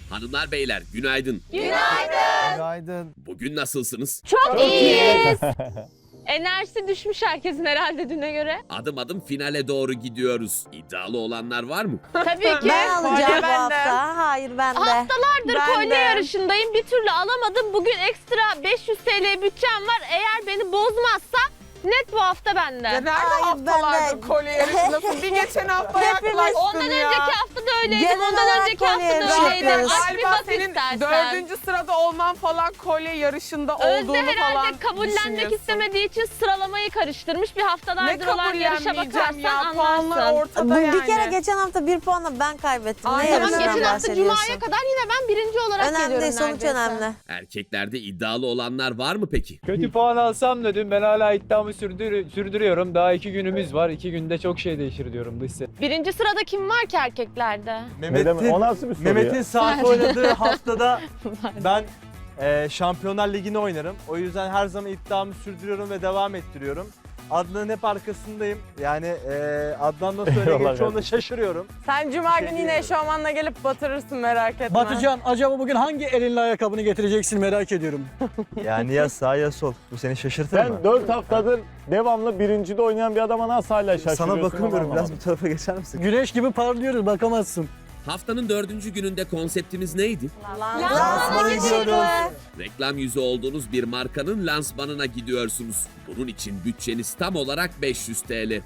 Hanımlar beyler günaydın. Günaydın. Bugün nasılsınız? Çok iyiyiz. Enerjisi düşmüş herkesin herhalde düne göre. Adım adım finale doğru gidiyoruz. İddialı olanlar var mı? Tabii ki. Ben alacağım bu bende. hafta. Hayır ben de. Haftalardır Ben kolye de. yarışındayım. Bir türlü alamadım. Bugün ekstra 500 TL bütçem var. Eğer beni bozmazsa net bu hafta bende. Ya nerede Hayır, ben haftalardır de- kolye yarışındasın? Bir geçen hafta Hepimiz- yaklaştın Ondan ya. önceki hafta da öyleydim. Genel Ondan olarak önceki hafta kolye da yarışı öyleydim. yapıyoruz. Aç bir Galiba bak senin istersen. 4. sırada olman falan kolye yarışında olduğunu Özde herhalde falan kabullenmek düşünüyorsun. istemediği için sıralamayı karıştırmış. Bir Ne haftalardır olan yarışa kabullenmeyeceğim bakarsan ya? Puanlar anlarsın. ortada yani. Bir kere geçen hafta bir puanla ben kaybettim. Ay, Ne tamam, yarışından Geçen hafta bahsediyorsun? Cuma'ya kadar yine ben birinci olarak Önemli geliyorum değil, sonuç neredeyse. önemli. Erkeklerde iddialı olanlar var mı peki? Kötü puan alsam da dün ben hala iddiamı sürdürüyorum. Daha 2 günümüz var. 2 günde çok şey değişir diyorum dış ses. Birinci sırada kim var ki erkeklerde? O nasıl bir soru Mehmet'in saat oynadığı haftada ben Şampiyonlar Ligi'ni oynarım. O yüzden her zaman iddiamı sürdürüyorum ve devam ettiriyorum. Adnan'ın hep arkasındayım. Yani Adnan'dan sonra Eyvallah gelip çoğunda kardeşim. şaşırıyorum. Sen cuma Şey günü yine diyorum. eşofmanla gelip batırırsın merak etme. Batucan acaba bugün hangi elinle ayakkabını getireceksin merak ediyorum. Yani ya sağ ya sol. Bu seni şaşırtır mı? Sen 4 haftadır devamlı birincide oynayan bir adama nasıl hala şaşırıyorsun? Sana bakıyorum. onu Biraz anlamadım. bu tarafa geçer misin? Güneş gibi parlıyoruz bakamazsın. Haftanın 4. gününde konseptimiz neydi? Lansmana gidiyoruz. Reklam yüzü olduğunuz bir markanın lansmanına gidiyorsunuz. Bunun için bütçeniz tam olarak 500 TL.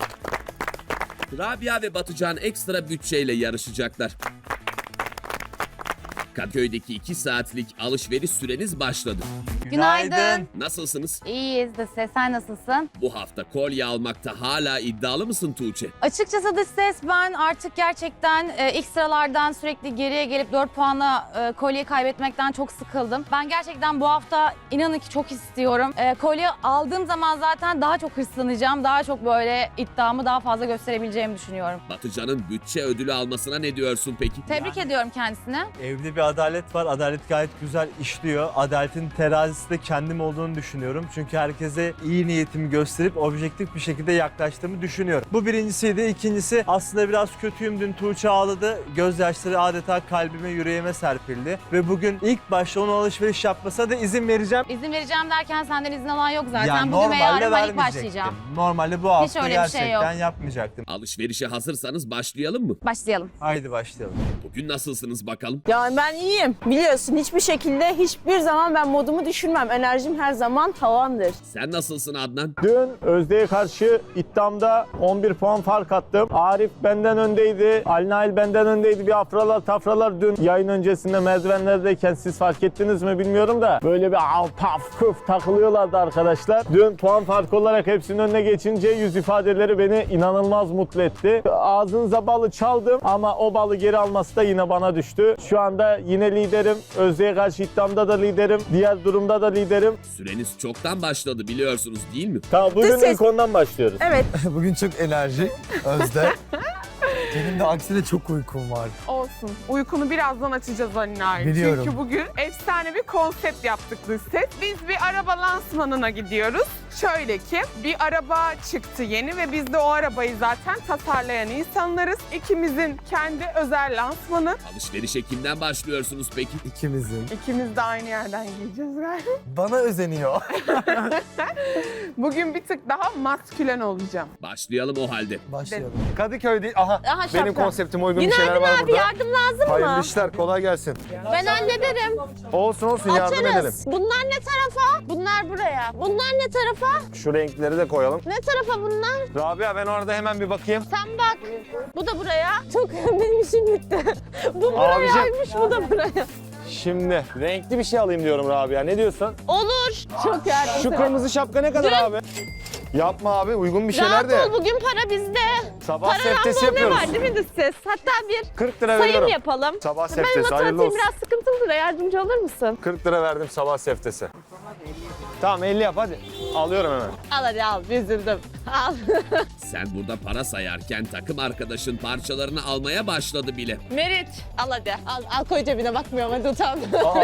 Rabia ve Batucan ekstra bütçeyle yarışacaklar. Kadıköy'deki 2 saatlik alışveriş süreniz başladı. Günaydın. Nasılsınız? İyiyiz de ses. Sen nasılsın? Bu hafta kolye almakta hala iddialı mısın Tuğçe? Açıkçası dış ses ben artık gerçekten ilk sıralardan sürekli geriye gelip 4 puanla kolyeyi kaybetmekten çok sıkıldım. Ben gerçekten bu hafta inanın ki çok istiyorum. Kolye aldığım zaman zaten daha çok hırslanacağım. Daha çok böyle iddiamı daha fazla gösterebileceğimi düşünüyorum. Batıcan'ın bütçe ödülü almasına ne diyorsun peki? Tebrik ediyorum kendisine. Evde bir adalet var. Adalet gayet güzel işliyor. Adaletin terazisi de kendim olduğunu düşünüyorum. Çünkü herkese iyi niyetimi gösterip objektif bir şekilde yaklaştığımı düşünüyorum. Bu birincisiydi. İkincisi aslında biraz kötüyüm. Dün Tuğçe ağladı. Gözyaşları adeta kalbime, yüreğime serpildi. Ve bugün ilk başta onun alışveriş yapmasına da izin vereceğim. İzin vereceğim derken senden izin alan yok zaten. Yani Bugün ve yarın ben ilk vermeyecektim. başlayacağım. Normalde bu hafta öyle bir şey gerçekten yok. yapmayacaktım. Alışverişe hazırsanız başlayalım mı? Başlayalım. Haydi başlayalım. Bugün nasılsınız bakalım? Yani ben iyiyim. Biliyorsun hiçbir şekilde hiçbir zaman ben modumu düşürmem. Enerjim her zaman tavandır. Sen nasılsın Adnan? Dün Özde'ye karşı iddiamda 11 puan fark attım. Arif benden öndeydi. Ali Nail benden öndeydi. Bir afralar tafralar dün yayın öncesinde merdivenlerdeyken siz fark ettiniz mi bilmiyorum da böyle bir av paf küf takılıyorlardı arkadaşlar. Dün puan farkı olarak hepsinin önüne geçince yüz ifadeleri beni inanılmaz mutlu etti. Ağzınıza balı çaldım ama o balı geri alması da yine bana düştü. Şu anda yine liderim. Özde'ye karşı iddiamda da liderim. Diğer durumda da liderim. Süreniz çoktan başladı biliyorsunuz değil mi? Tamam bugün ilk ondan başlıyoruz. Evet. Bugün çok enerji Özde. Benim de aksine çok uykum var. Olsun. Uykunu birazdan açacağız Ali Nail. Biliyorum. Çünkü bugün efsane bir konsept yaptık dış ses. Biz bir araba lansmanına gidiyoruz. Şöyle ki bir araba çıktı yeni ve biz de o arabayı zaten tasarlayan insanlarız. İkimizin kendi özel lansmanı. Alışverişe kimden başlıyorsunuz peki? İkimizin. İkimiz de aynı yerden giyeceğiz galiba. Bana özeniyor. Bugün bir tık daha maskülen olacağım. Başlayalım o halde. Başlayalım. Kadıköy değil. Aha, Aha şapka. benim konseptime uygun bir şeyler Günaydın var abi burada. yardım lazım Hayırlı mı? işler, kolay gelsin. Ben hallederim. Olsun yardım edelim. Açarız. Bunlar ne tarafa? Bunlar buraya. Bunlar ne tarafa? Şu renkleri de koyalım. Ne tarafa bunlar? Rabia ben orada hemen bir bakayım. Sen bak. Bu da buraya. Çok benim işim bitti. Bu Abicim. burayaymış, bu da buraya. Şimdi renkli bir şey alayım diyorum Rabia. Ne diyorsun? Olur. Çok yardım. Şu kırmızı şapka ne kadar abi? Yapma abi uygun bir şeyler de. Rahat ol, bugün para bizde. Sabah Para seftesi random ne yapıyoruz. var değil mi dış ses? Hatta bir 40 lira sayım veriyorum. yapalım. Sabah Ben seftesi hayırlı matematiğim olsun. biraz sıkıntılı da yardımcı olur musun? 40 lira verdim sabah seftesi. Tamam 50 yap hadi. Alıyorum hemen. Al hadi al, üzüldüm. Al. Sen burada para sayarken takım arkadaşın parçalarını almaya başladı bile. Merit. Al hadi. Al koy cebine, bakmıyorum hadi utan.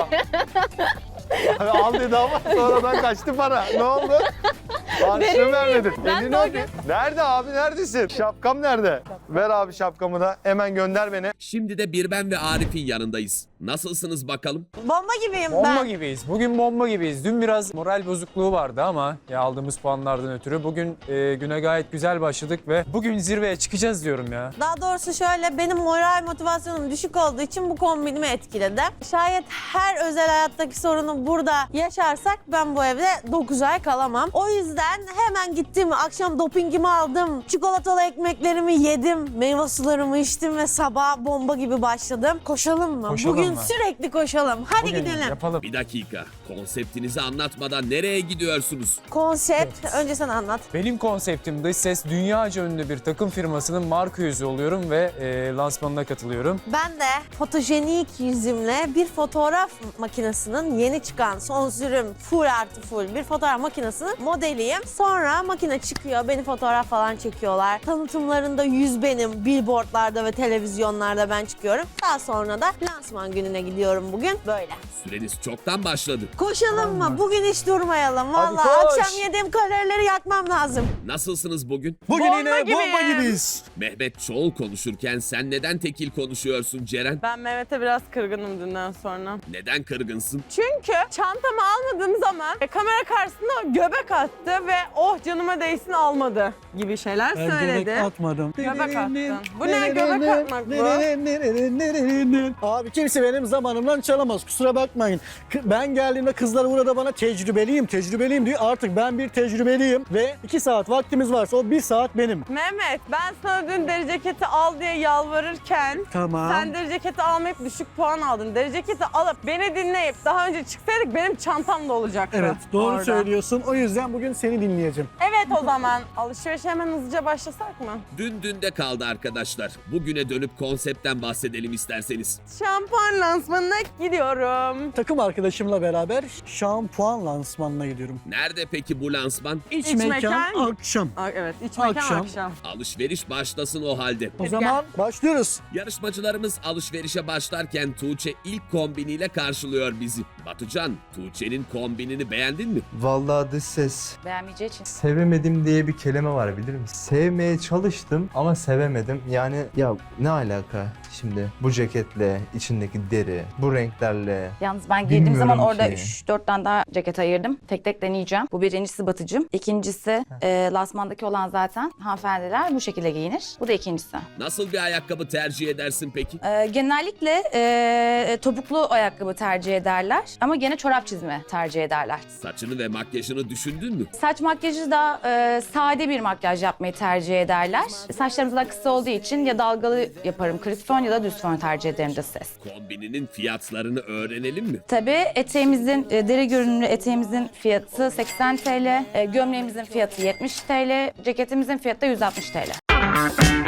Abi al dedi ama sonradan kaçtı para. Ne oldu? Harçlığını vermedin. Ben Elini de o öpeyim. Nerede abi neredesin? Şapkam nerede? Ver abi şapkamı da hemen gönder beni. Şimdi de bir ben ve Arif'in yanındayız. Nasılsınız bakalım? Bomba gibiyim Bomba ben. gibiyiz. Bugün bomba gibiyiz. Dün biraz moral bozukluğu vardı ama ya aldığımız puanlardan ötürü. Bugün güne gayet güzel başladık ve bugün zirveye çıkacağız diyorum ya. Daha doğrusu şöyle, benim moral motivasyonum düşük olduğu için bu kombinimi etkiledi. Şayet her özel hayattaki sorunu burada yaşarsak ben bu evde 9 ay kalamam. O yüzden hemen gittim, akşam dopingimi aldım, çikolatalı ekmeklerimi yedim, meyve sularımı içtim ve sabah bomba gibi başladım. Koşalım mı? Koşalım Bugün mı? sürekli koşalım. Hadi Bugün gidelim. yapalım. Bir dakika. Konseptinizi anlatmadan nereye gidiyorsunuz? Konsept, önce sen anlat. Benim konseptim dış ses, dünyaca ünlü bir takım firmasının marka yüzü oluyorum ve lansmanına katılıyorum. Ben de fotojenik yüzümle bir fotoğraf makinesinin yeni çıkan son sürüm full artı full bir fotoğraf makinesinin modeliyim. Sonra makine çıkıyor, beni fotoğraf falan çekiyorlar. Tanıtımlarında yüz benim, billboardlarda ve televizyonlarda ben çıkıyorum. Daha sonra da lansman gününe gidiyorum bugün. Böyle. Süreniz çoktan başladı. Koşalım mı? Bugün hiç durmayalım. Hadi Vallahi koş. akşam yediğim kalorileri yakmam lazım. Nasılsınız bugün? Bugün Bomba yine gibiyim. bomba gibiyiz. Mehmet çoğul konuşurken sen neden tekil konuşuyorsun Ceren? Ben Mehmet'e biraz kırgınım dünden sonra. Neden kırgınsın? Çünkü çantamı almadığım zaman kamera karşısında göbek attı ve oh canıma değsin almadı gibi şeyler Ben söyledi. göbek atmadım. Göbek attın. Bu ne göbek atmak bu? Abi kimse benim zamanımdan çalamaz, kusura bakmayın. Ben geldiğimde kızlar burada bana tecrübeliyim diyor. Artık ben bir tecrübeliyim ve 2 saat vaktimiz varsa o 1 saat benim. Mehmet ben sana dün deri ceketi al diye yalvarırken Tamam. sen deri ceketi almayıp düşük puan aldın. Deri ceketi alıp beni dinleyip daha önce çıksaydık benim çantam da olacaktı. Evet, doğru orada. söylüyorsun. O yüzden bugün seni dinleyeceğim. Evet o zaman alışverişe hemen hızlıca başlasak mı? Dün dünde kaldı arkadaşlar. Bugüne dönüp konseptten bahsedelim isterseniz. Şampuan lansmanına gidiyorum. Takım arkadaşımla beraber şampuan lansmanına gidiyorum. Nerede peki bu lansman? İç, İç mekan, mekan. akşam. Evet iç mekan Akşam. akşam. Alışveriş başlasın o halde. O zaman başlıyoruz. Yarışmacılarımız alışverişe başlarken Tuğçe ilk kombiniyle karşılıyor bizi. Batucan, Tuğçe'nin kombinini beğendin mi? Vallahi dış ses. Beğenmeyeceği için. Sevemedim diye bir kelime var bilir misin? Sevmeye çalıştım ama sevemedim. Yani ya ne alaka şimdi bu ceketle, içindeki deri, bu renklerle. Yalnız ben girdiğim zaman Bilmiyorum orada ki. 3-4 tane daha ceket ayırdım. Tek tek deneyeceğim. Bu birincisi Batıcım. İkincisi lansmandaki olan zaten hanımefendiler bu şekilde giyinir. Bu da ikincisi. Nasıl bir ayakkabı tercih edersin peki? Genellikle topuklu ayakkabı tercih ederler. Ama gene çorap çizme tercih ederler. Saçını ve makyajını düşündün mü? Saç makyajı da sade bir makyaj yapmayı tercih ederler. Saçlarımız da kısa olduğu için ya dalgalı yaparım kriz fön ya da düz fön tercih ederim de ses. Kombininin fiyatlarını öğrenelim mi? Tabii eteğimizin, deri görünümlü eteğimizin fiyatı 80 TL, gömleğimizin fiyatı 70 TL, ceketimizin fiyatı da 160 TL.